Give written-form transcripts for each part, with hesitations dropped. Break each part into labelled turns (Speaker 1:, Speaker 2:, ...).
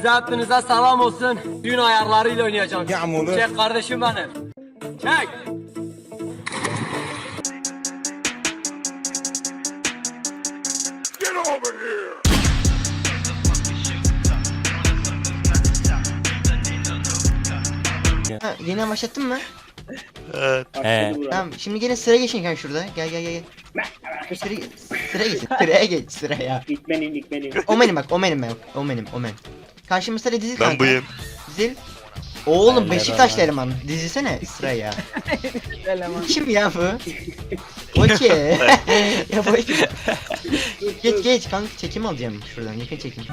Speaker 1: Size hepinize selam olsun. Düğün ayarlarıyla oynayacağım.
Speaker 2: Yağmurlu.
Speaker 1: Çek kardeşim benim. Çek.
Speaker 2: Get over here.
Speaker 3: Ha, yeniden başlattın mı?
Speaker 4: Evet.
Speaker 3: Tamam şimdi gene sıra geçin kanka şurada. Gel gel gel. Sıra geçin. Sıraya geç sıraya.
Speaker 5: İlk benim.
Speaker 3: O benim bak o benim ben. O benim. Karşımızda da dizil kanka.
Speaker 4: Ben buyum.
Speaker 3: Dizil. Oğlum Beşiktaşlı eleman. Dizilsene sıraya. Kim ya bu? Okey. Ya bu geç kanka çekim alacağım şuradan yakın çekim.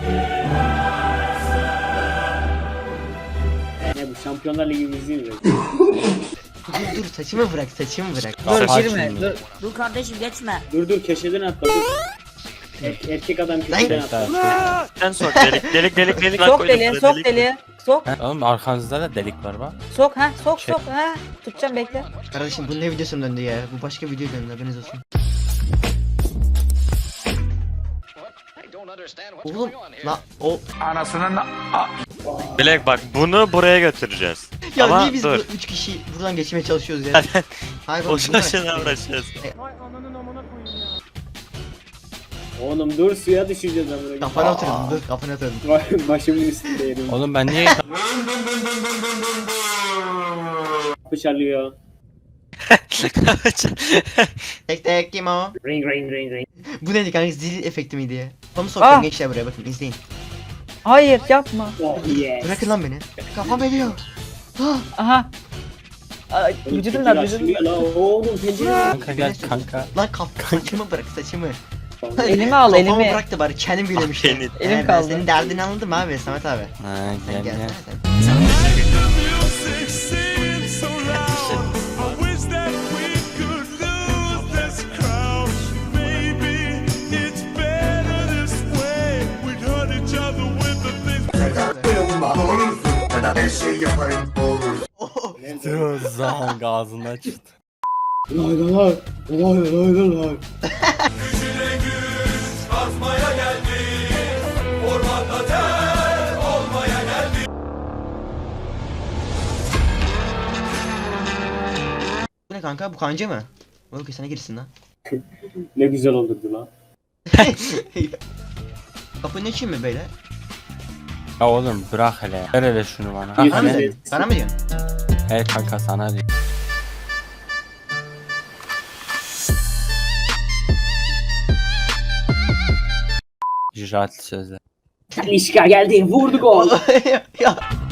Speaker 5: Ne bu Şampiyonlar Ligi'mizi mi?
Speaker 3: Dur saçımı bırak.
Speaker 6: Dur girme. Dur kardeşim geçme.
Speaker 5: Dur köşeden atla dur. Erkek adam köşeden atla.
Speaker 4: Sen sok delik.
Speaker 6: Sok deliğe, sok deliğe. Sok,
Speaker 7: Oğlum arkanızda da delik var bak.
Speaker 6: sok ha, sok. Tutacağım bekle.
Speaker 3: Kardeşim bu ne videosun döndü ya? Bu başka video döndü haberiniz olsun. Oğlum la o
Speaker 4: Bilek bak bunu buraya götüreceğiz.
Speaker 3: ya
Speaker 4: Ama
Speaker 3: niye biz
Speaker 4: dur.
Speaker 3: 3 kişi buradan geçmeye çalışıyoruz ya? Hayır oğlum
Speaker 4: Boşuna uğraşacağız.
Speaker 5: Oğlum dur suya düşeceğiz amına.
Speaker 3: kafana oturdum dur kafana oturdum.
Speaker 5: Başımın üstünde yerim.
Speaker 7: Oğlum ben niye
Speaker 5: Kapı çalıyor.
Speaker 3: Tek kim o?
Speaker 5: Ring.
Speaker 3: Bu neydi kanka zil efekti miydi ya? Kafamı
Speaker 6: Ah!
Speaker 3: soktum gençler buraya bakın izleyin.
Speaker 6: Hayır yapma.
Speaker 5: Oh yes.
Speaker 3: Bırakın lan beni. Kafam ediyor.
Speaker 6: Aha. Ay, vücudum da vücudum.
Speaker 5: La oğlum pencere.
Speaker 7: kanka gel kanka.
Speaker 3: Lan saçımı bırak saçımı.
Speaker 6: Elimi al
Speaker 3: Kafamı
Speaker 6: elimi.
Speaker 3: bıraktı bari kendim gülemiştim.
Speaker 4: Elim
Speaker 6: Elim
Speaker 3: Ben
Speaker 6: kaldı.
Speaker 3: senin derdini anladım abi Samet abi.
Speaker 7: Ha
Speaker 3: Sen
Speaker 7: gel
Speaker 3: gel.
Speaker 7: gel. Dur zaman ağzından çıktı.
Speaker 5: Lay.
Speaker 3: Bu ne kanka bu kanca mı? Okey sana girsin lan.
Speaker 5: Ne güzel olurdu lan.
Speaker 3: Kapının için mi böyle?
Speaker 7: Ya oğlum bırak hele. Ver hele şunu bana.
Speaker 5: Yüz
Speaker 3: Bana mı
Speaker 5: yüze-
Speaker 3: diyorsun? Bana mı diyorsun?
Speaker 7: He kanka sana diyor. İcraat sözler.
Speaker 5: Talişka geldi vurdu gol.
Speaker 3: ya.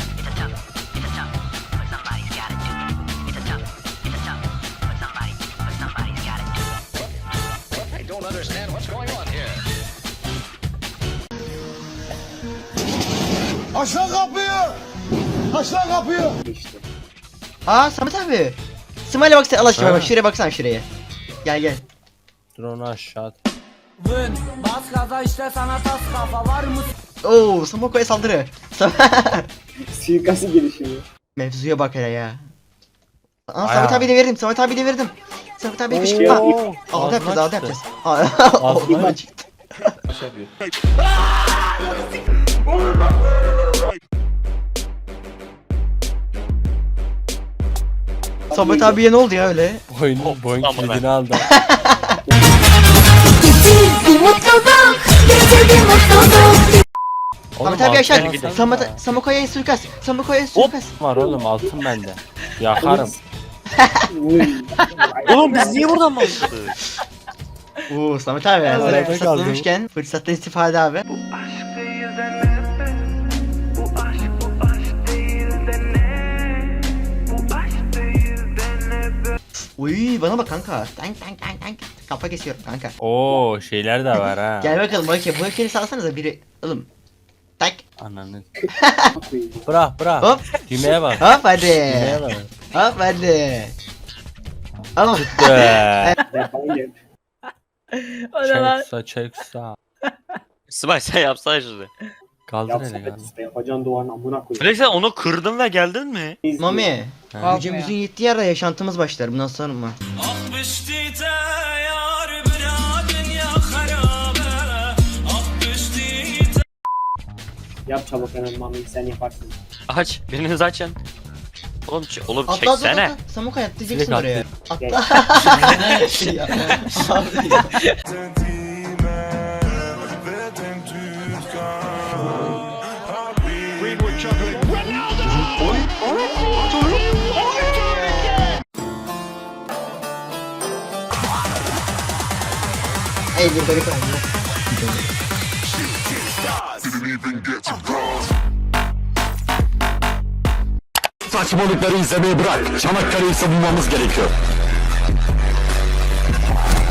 Speaker 2: Aşağı kapıyı. Aşağı kapıyı.
Speaker 5: İşte.
Speaker 3: Aa Samet abi. Smiley'e baksana Allah aşkına bak şuraya baksana şuraya. Gel.
Speaker 7: Dur onu aşağı at.
Speaker 1: Bas gaza işte sana tas kafa var mı?
Speaker 3: Oo Samoko'ya saldırı.
Speaker 5: Suikastı gelişimi.
Speaker 3: Mevzuya bak hele ya. Aa Samet abi de verdim. Samet abi kışkırtma. Aldı yapacağız.
Speaker 7: Ağzından
Speaker 3: çıktı. Samet abiye ne oldu ya öyle?
Speaker 7: boyun
Speaker 4: Aman
Speaker 7: kilidini aldı.
Speaker 3: Samet abi aşağı.
Speaker 7: altın var.
Speaker 3: Samoko'ya suikast.
Speaker 7: Var oğlum altın bende. Yakarım.
Speaker 4: Oğlum biz niye buradan başladık?
Speaker 3: Oo Samet abi
Speaker 7: Evet,
Speaker 3: sana
Speaker 7: evet,
Speaker 3: fırsat
Speaker 7: kaldı.
Speaker 3: bulmuşken fırsattan istifade abi. Uy bana bak kanka. Tank. Kafa kesiyorum kanka.
Speaker 7: Oo şeyler de var ha.
Speaker 3: Gel bakalım bakayım. Bu hekini salsanıza biri. Oğlum. Tak.
Speaker 7: Ananı. Bırak.
Speaker 3: Hop.
Speaker 7: Düğmeye bak.
Speaker 3: Hop hadi.
Speaker 7: Düğmeye bak.
Speaker 3: Hop hadi. Ama
Speaker 6: O ne lan?
Speaker 7: Çeksa.
Speaker 4: Sibel sen yapsana şunu.
Speaker 7: Kaldır hele
Speaker 5: Yapsana
Speaker 7: kaldır.
Speaker 5: işte yapacağın duvarın amına koyayım.
Speaker 4: Bilek sen onu kırdın ve geldin mi?
Speaker 3: Mami.
Speaker 7: Ha.
Speaker 3: Gücümüzün yettiği yerde yaşantımız başlar. Bundan sonra mı?
Speaker 5: Yap çabuk hemen Mami sen yaparsın.
Speaker 4: Aç. Biriniz açın. Oğlum
Speaker 3: Atla atla
Speaker 4: çeksene.
Speaker 3: atla. Samukay atlayacaksın
Speaker 7: Direkt
Speaker 3: oraya.
Speaker 5: Gel.
Speaker 3: Atla. Ya, abi ya. Ey bir garip oldu.
Speaker 2: Saçmalıkları izlemeyi bırak. Çanakkale'yi savunmamız gerekiyor.